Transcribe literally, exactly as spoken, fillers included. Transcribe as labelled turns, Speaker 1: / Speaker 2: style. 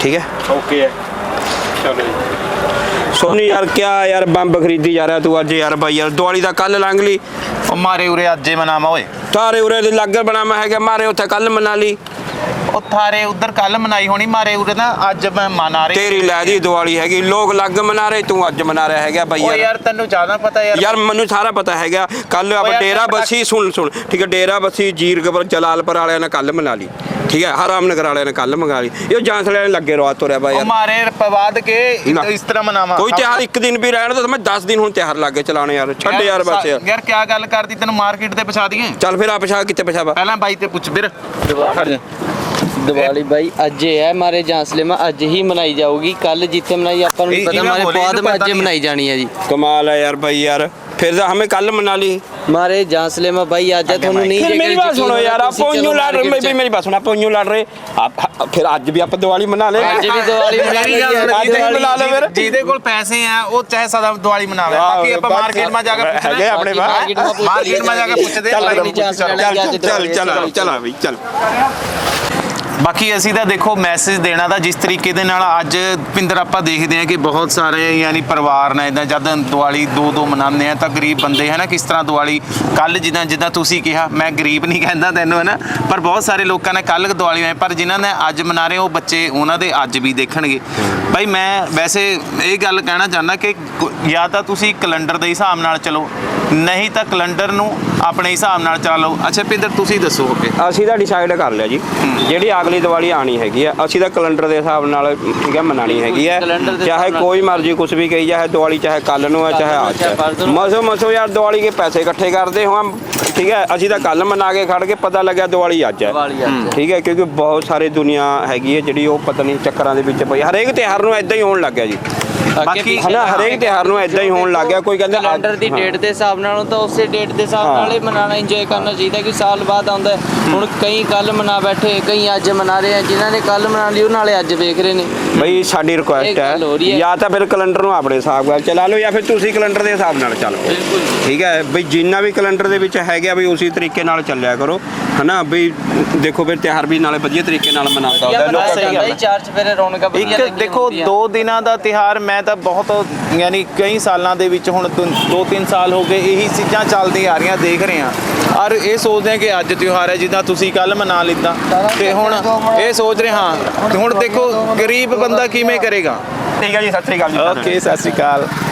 Speaker 1: ठीक है
Speaker 2: ओके है चलो
Speaker 1: सोनी यार क्या यार बंब खरीदी जा रहा तू अज यार भाई यार दिवाली का कल लंघ ली
Speaker 2: ओ मारे उरे अजे मनावा ओए
Speaker 1: तारे उरे लागर बनावा है मारे उत्थे कल मना ली
Speaker 2: ओ थारे उधर कल मनाई होनी मारे उरे ना अज मैं मना रही
Speaker 1: तेरी लै दी दिवाली हैगी लोग लग मना रहे तू अज मना रहा है भाई
Speaker 2: ओ
Speaker 1: यार
Speaker 2: यार तन्नू ज्यादा पता यार
Speaker 1: यार मैनू सारा पता है कल आप
Speaker 2: यार
Speaker 1: डेरा बसी सुन सुन ठीक है डेरा बसी जीरकपुर जलालपुर वाले ने कल मना ली ठीक है हराम नगर वाले ने कल मंगा ली ये जांसले ने लगे रहा तुरया भाई यार
Speaker 2: मारे पवाद के इस तरह मनावा
Speaker 1: कोई त्योहार एक दिन भी रहने तो मैं दस दिन हूं त्योहार लागे चलाने यार छड़ यार बस यार
Speaker 2: यार क्या गल करदी तन्नू मार्केट ते पछा दिए
Speaker 1: चल फिर आप पछा किते पछावा
Speaker 2: पहला बाई ते पूछ फिर
Speaker 3: दिवाली भाई अज है हमारे जांसले में अज ही मनाई जाऊगी कल जितने मनाई अपन पता हमारे बाद में अज मनाई जानी है जी
Speaker 1: कमाल है यार भाई यार फिर हमें कल मना ली
Speaker 3: हमारे जांसले में भाई आज है थोनू नहीं
Speaker 1: फिर मेरी बात सुनो यार आप यूं लड़ रहे भी मेरी बात सुनो आप यूं लड़ रहे आप फिर आज भी आप दिवाली मना ले
Speaker 3: आज भी दिवाली
Speaker 1: आज भी मना ले फिर
Speaker 2: ਜਿਹਦੇ ਕੋਲ ਪੈਸੇ ਆ ਉਹ ਚਾਹੇ ਸਦਾ ਦਿਵਾਲੀ ਮਨਾਵੇ ਬਾਕੀ ਆਪਾਂ ਮਾਰਕੀਟ ਮਾ ਜਾ ਕੇ
Speaker 1: ਹੈਗੇ ਆਪਣੇ ਬਾਹਰ
Speaker 2: ਮਾਰਕੀਟ ਮਾ ਜਾ ਕੇ ਪੁੱਛਦੇ
Speaker 1: ਚੱਲ ਚੱਲ ਚੱਲ ਚੱਲ ਬਈ ਚੱਲ
Speaker 2: ਬਾਕੀ ਅਸੀਂ ਤਾਂ ਦੇਖੋ ਮੈਸੇਜ ਦੇਣਾ ਤਾਂ ਜਿਸ ਤਰੀਕੇ ਦੇ ਨਾਲ ਅੱਜ ਪਿੰਦਰ ਆਪਾਂ ਦੇਖਦੇ ਹਾਂ ਕਿ ਬਹੁਤ ਸਾਰੇ ਯਾਨੀ ਪਰਿਵਾਰ ਨੇ ਇਦਾਂ ਜਦ ਦੀਵਾਲੀ ਦੋ ਦੋ ਮਨਾਉਂਦੇ ਆ ਤਾਂ ਗਰੀਬ ਬੰਦੇ ਹੈ ਨਾ ਕਿਸ ਤਰ੍ਹਾਂ ਦੀਵਾਲੀ ਕੱਲ ਜਿੱਦਾਂ ਜਿੱਦਾਂ ਤੁਸੀਂ ਕਿਹਾ ਮੈਂ ਗਰੀਬ ਨਹੀਂ ਕਹਿੰਦਾ ਤੈਨੂੰ ਹੈ ਨਾ ਪਰ ਬਹੁਤ ਸਾਰੇ ਲੋਕਾਂ ਨੇ ਕੱਲ ਦੀਵਾਲੀ ਹੋਏ ਪਰ ਜਿਨ੍ਹਾਂ ਨੇ ਅੱਜ ਮਨਾ ਰਹੇ ਉਹ ਬੱਚੇ ਉਹਨਾਂ ਦੇ ਅੱਜ ਵੀ ਦੇਖਣਗੇ ਭਾਈ ਮੈਂ ਵੈਸੇ ਇਹ ਗੱਲ ਕਹਿਣਾ ਚਾਹੁੰਦਾ ਕਿ ਜਾਂ ਤਾਂ ਤੁਸੀਂ ਕੈਲੰਡਰ ਦੇ ਹਿਸਾਬ ਨਾਲ ਚਲੋ ਨਹੀਂ ਤਾਂ ਕੈਲੰਡਰ ਨੂੰ ਆਪਣੇ ਹਿਸਾਬ ਨਾਲ ਚਲਾ ਲਓ ਅੱਛਾ ਪਿੰਦਰ ਤੁਸੀਂ ਦੱਸੋ ਓਕੇ
Speaker 1: ਅਸੀਂ ਤਾਂ ਡਿਸਾਈਡ ਕਰ ਲਿਆ ਜੀ ਜਿਹੜੀ ਅਗਲੀ ਦੀਵਾਲੀ ਆਣੀ ਹੈਗੀ ਆ ਅਸੀਂ ਤਾਂ ਕੈਲੰਡਰ ਦੇ ਹਿਸਾਬ ਨਾਲ ਠੀਕ ਹੈ ਮਨਾਣੀ ਹੈਗੀ ਹੈ ਚਾਹੇ ਕੋਈ ਮਰਜ਼ੀ ਕੁਝ ਵੀ ਕਹੀ ਜਾਏ ਦੀਵਾਲੀ ਚਾਹੇ ਕੱਲ ਨੂੰ ਹੈ ਚਾਹੇ ਅੱਜ ਹੈ ਮਸੋ ਮਸੋ ਯਾਰ ਦੀਵਾਲੀ ਕੇ ਪੈਸੇ ਇਕੱਠੇ ਕਰਦੇ ਹਾਂ ਠੀਕ ਹੈ ਅਸੀਂ ਤਾਂ ਕੱਲ ਮਨਾ ਕੇ ਖੜ ਕੇ ਪਤਾ ਲੱਗਿਆ ਦੀਵਾਲੀ ਅੱਜ ਹੈ ਠੀਕ ਹੈ ਕਿਉਂਕਿ ਬਹੁਤ ਸਾਰੇ ਦੁਨੀਆ ਹੈਗੀ ਹੈ ਜਿਹੜੀ ਉਹ ਪਤਾ ਨਹੀਂ ਚੱਕਰਾਂ ਦੇ ਵਿੱਚ ਪਈ ਹਰੇਕ ਤਿਉਹਾਰ ਨੂੰ ਇਦਾਂ ਹੀ ਹੋਣ ਲੱਗ ਗਿਆ ਜੀ
Speaker 2: ਬਾਕੀ
Speaker 1: ਹਨਾ ਹਰੇਕ ਤਿਉਹਾਰ ਨੂੰ ਇਦਾਂ ਹੀ ਹੋਣ ਲੱਗ ਗਿਆ ਕੋਈ ਕਹਿੰਦਾ
Speaker 3: ਕੈਲੰਡਰ ਦੀ ਡੇਟ ਦੇ ਹਿਸਾਬ ਨਾਲੋਂ ਤਾਂ ਉਸੇ ਡੇਟ ਦੇ ਹਿਸਾਬ ਨਾਲ ਹੀ ਮਨਾਣਾ ਇੰਜੋਏ ਕਰਨਾ ਚਾਹੀਦਾ ਕਿ ਸਾਲ ਬਾਅਦ ਆਉਂਦਾ ਹੁਣ ਕਈ ਕੱਲ ਮਨਾ ਬੈਠੇ ਕਈ ਅੱਜ ਮਨਾ ਰਹੇ ਆ ਜਿਨ੍ਹਾਂ ਨੇ ਕੱਲ ਮਨਾ ਲਈ ਉਹ ਨਾਲੇ ਅੱਜ ਵੇਖ ਰਹੇ ਨੇ
Speaker 1: ਬਈ ਸਾਡੀ ਰਿਕੁਐਸਟ ਹੈ ਜਾਂ ਤਾਂ ਫਿਰ ਕੈਲੰਡਰ ਨੂੰ ਆਪਣੇ ਹਿਸਾਬ ਨਾਲ ਚਲਾ ਲਓ ਜਾਂ ਫਿਰ ਤੁਸੀਂ ਕੈਲੰਡਰ ਦੇ ਹਿਸਾਬ ਨਾਲ ਚੱਲੋ ਠੀਕ ਹੈ ਬਈ ਜਿੰਨਾ ਵੀ ਕੈਲੰਡਰ ਦੇ ਵਿੱਚ ਹੈਗਾ ਬਈ ਉਸੇ ਤਰੀਕੇ ਨਾਲ ਚੱਲਿਆ ਕਰੋ ਹਨਾ ਬਈ ਦੇਖੋ ਫਿਰ ਤਿਉਹਾਰ ਵੀ ਨਾਲੇ ਵਧੀਆ ਤਰੀਕੇ ਨਾਲ ਮਨਾਉਂਦਾ ਹੁੰਦਾ ਲੋਕ
Speaker 3: ਸਹੀ ਗੱਲ ਚਾਰ ਚਫੇਰੇ ਰੌਣਕਾਂ
Speaker 2: ਇੱਕ ਦੇਖੋ ਦੋ ਦਿਨਾਂ ਦਾ ਤਿਉਹਾਰ ਮੈਂ ਤਾਂ ਬਹੁਤ ਯਾਨੀ ਕਈ ਸਾਲਾਂ ਦੇ ਵਿੱਚ ਹੁਣ ਦੋ ਤਿੰਨ ਸਾਲ ਹੋ ਗਏ ਇਹੀ ਚੀਜ਼ਾਂ ਚੱਲਦੀਆਂ ਆ ਰਹੀਆਂ ਦੇਖ ਰਹੇ ਹਾਂ ਔਰ ਇਹ ਸੋਚਦੇ ਹਾਂ ਕਿ ਅੱਜ ਤਿਉਹਾਰ ਹੈ ਜਿੱਦਾਂ ਤੁਸੀਂ ਕੱਲ ਮਨਾ ਲਿੱਤਾ ਤੇ ਹੁਣ ਇਹ ਸੋਚ ਰਹੇ ਹਾਂ ਹੁਣ ਦੇਖੋ ਗਰੀਬ ਬੰਦਾ ਕਿਵੇਂ ਕਰੇਗਾ
Speaker 1: ਠੀਕ ਹੈ ਜੀ ਸਤਿ ਸ੍ਰੀ ਅਕਾਲ ਜੀ
Speaker 2: ਓਕੇ ਸਤਿ ਸ੍ਰੀ ਅਕਾਲ